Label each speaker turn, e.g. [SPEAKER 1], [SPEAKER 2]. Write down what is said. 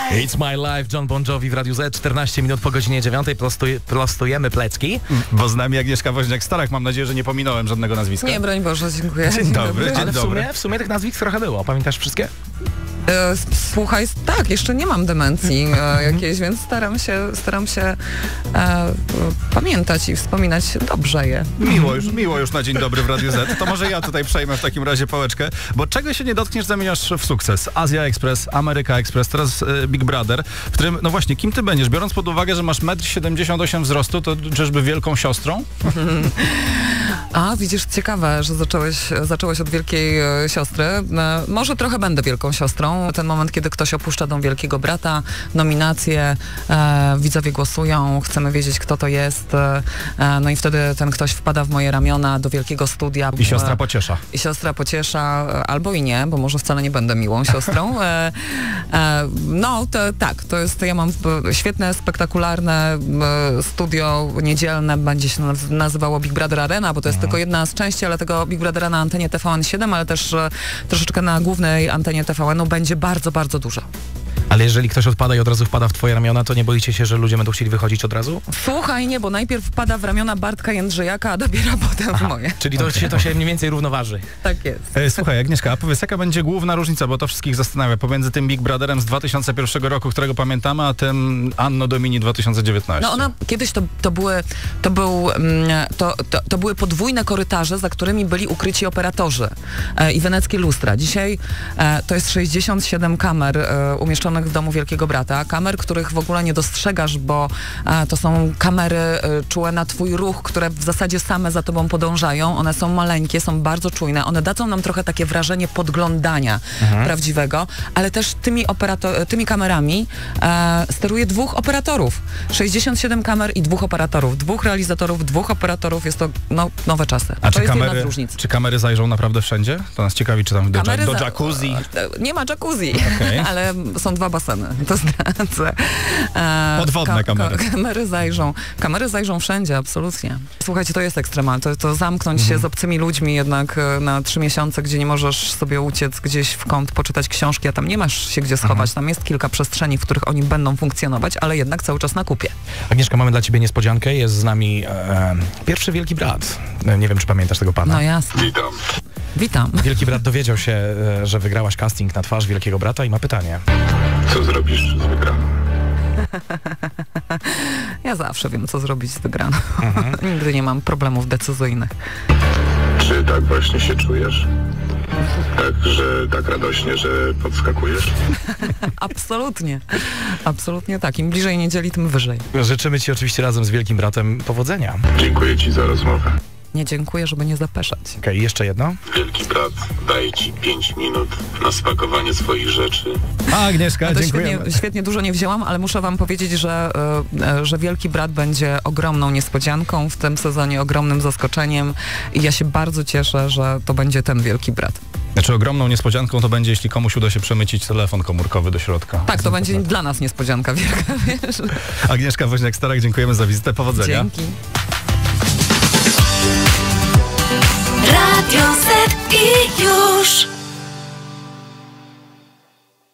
[SPEAKER 1] It's my life, John Bon Jovi w Radiu Z, 14 minut po godzinie 9, prostujemy plecki.
[SPEAKER 2] Bo z nami Agnieszka Woźniak-Starach, mam nadzieję, że nie pominąłem żadnego nazwiska.
[SPEAKER 3] Nie, broń Boże, dziękuję.
[SPEAKER 2] Dzień dobry.
[SPEAKER 1] Ale w sumie tych nazwisk trochę było, pamiętasz wszystkie?
[SPEAKER 3] Słuchaj, tak, jeszcze nie mam demencji jakiejś, więc staram się pamiętać i wspominać dobrze je.
[SPEAKER 2] Miło już na dzień dobry w Radiu Z. To może ja tutaj przejmę w takim razie pałeczkę, bo czego się nie dotkniesz, zamieniasz w sukces. Azja Express, Ameryka Express, teraz Big Brother, w którym, no właśnie, kim ty będziesz? Biorąc pod uwagę, że masz 1,78 m wzrostu, to czyżby wielką siostrą?
[SPEAKER 3] A, widzisz, ciekawe, że zacząłeś od Wielkiej Siostry. Może trochę będę Wielką Siostrą. Ten moment, kiedy ktoś opuszcza dom Wielkiego Brata, nominacje, widzowie głosują, chcemy wiedzieć, kto to jest. No i wtedy ten ktoś wpada w moje ramiona do wielkiego studia.
[SPEAKER 2] I siostra pociesza.
[SPEAKER 3] I siostra pociesza, albo i nie, bo może wcale nie będę miłą siostrą. No, tak, to jest, ja mam świetne, spektakularne studio niedzielne, będzie się nazywało Big Brother Arena, bo to jest tylko jedna z części, ale tego Big Brothera na antenie TVN7, ale też troszeczkę na głównej antenie TVN-u będzie bardzo, bardzo dużo.
[SPEAKER 1] Ale jeżeli ktoś odpada i od razu wpada w twoje ramiona, to nie boicie się, że ludzie będą chcieli wychodzić od razu?
[SPEAKER 3] Słuchaj, nie, bo najpierw wpada w ramiona Bartka Jędrzejaka, a dopiero potem w moje.
[SPEAKER 1] Czyli to się mniej więcej równoważy.
[SPEAKER 3] Tak jest.
[SPEAKER 2] Słuchaj, Agnieszka, a powiedz, jaka będzie główna różnica, bo to wszystkich zastanawia, pomiędzy tym Big Brotherem z 2001 roku, którego pamiętamy, a tym Anno Domini 2019?
[SPEAKER 3] No kiedyś to były podwójne korytarze, za którymi byli ukryci operatorzy i weneckie lustra. Dzisiaj to jest 67 kamer umieszczonych w domu Wielkiego Brata. Kamer, których w ogóle nie dostrzegasz, bo to są kamery czułe na twój ruch, które w zasadzie same za tobą podążają. One są maleńkie, są bardzo czujne. One dadzą nam trochę takie wrażenie podglądania prawdziwego, ale też tymi kamerami steruje 2 operatorów. 67 kamer i 2 operatorów. 2 realizatorów, 2 operatorów. Jest to nowe czasy.
[SPEAKER 2] A
[SPEAKER 3] to jest jedna z różnic.
[SPEAKER 2] Czy kamery zajrzą naprawdę wszędzie? To nas ciekawi, czy tam do jacuzzi?
[SPEAKER 3] Nie ma jacuzzi,
[SPEAKER 2] okay.
[SPEAKER 3] Ale są 2 baseny. To zdradzę.
[SPEAKER 2] Podwodne kamery.
[SPEAKER 3] Kamery zajrzą wszędzie, absolutnie. Słuchajcie, to jest ekstremalne. To zamknąć się z obcymi ludźmi jednak na 3 miesiące, gdzie nie możesz sobie uciec gdzieś w kąt, poczytać książki, a tam nie masz się gdzie schować. Tam jest kilka przestrzeni, w których oni będą funkcjonować, ale jednak cały czas na kupie.
[SPEAKER 1] Agnieszka, mamy dla ciebie niespodziankę. Jest z nami pierwszy Wielki Brat. Nie wiem, czy pamiętasz tego pana.
[SPEAKER 3] No jasne. Witam.
[SPEAKER 1] Wielki Brat dowiedział się, że wygrałaś casting na twarz Wielkiego Brata i ma pytanie.
[SPEAKER 4] Co zrobisz z wygraną?
[SPEAKER 3] Ja zawsze wiem, co zrobić z wygraną. Nigdy nie mam problemów decyzyjnych.
[SPEAKER 4] Czy tak właśnie się czujesz? Tak radośnie, że podskakujesz?
[SPEAKER 3] Absolutnie. Absolutnie tak. Im bliżej niedzieli, tym wyżej.
[SPEAKER 1] Życzymy ci oczywiście razem z Wielkim Bratem powodzenia.
[SPEAKER 4] Dziękuję ci za rozmowę.
[SPEAKER 3] Nie dziękuję, żeby nie zapeszać.
[SPEAKER 1] Okej, jeszcze jedno.
[SPEAKER 4] Wielki Brat daje ci 5 minut na spakowanie swoich rzeczy.
[SPEAKER 2] Agnieszka, dziękujemy.
[SPEAKER 3] Świetnie dużo nie wzięłam, ale muszę wam powiedzieć, że Wielki Brat będzie ogromną niespodzianką w tym sezonie, ogromnym zaskoczeniem i ja się bardzo cieszę, że to będzie ten Wielki Brat.
[SPEAKER 2] Znaczy ogromną niespodzianką to będzie, jeśli komuś uda się przemycić telefon komórkowy do środka.
[SPEAKER 3] Tak, to będzie dla nas niespodzianka wielka, wiesz.
[SPEAKER 2] Agnieszka Woźniak-Starach, dziękujemy za wizytę, powodzenia.
[SPEAKER 3] Dzięki.
[SPEAKER 5] Radio Z i już.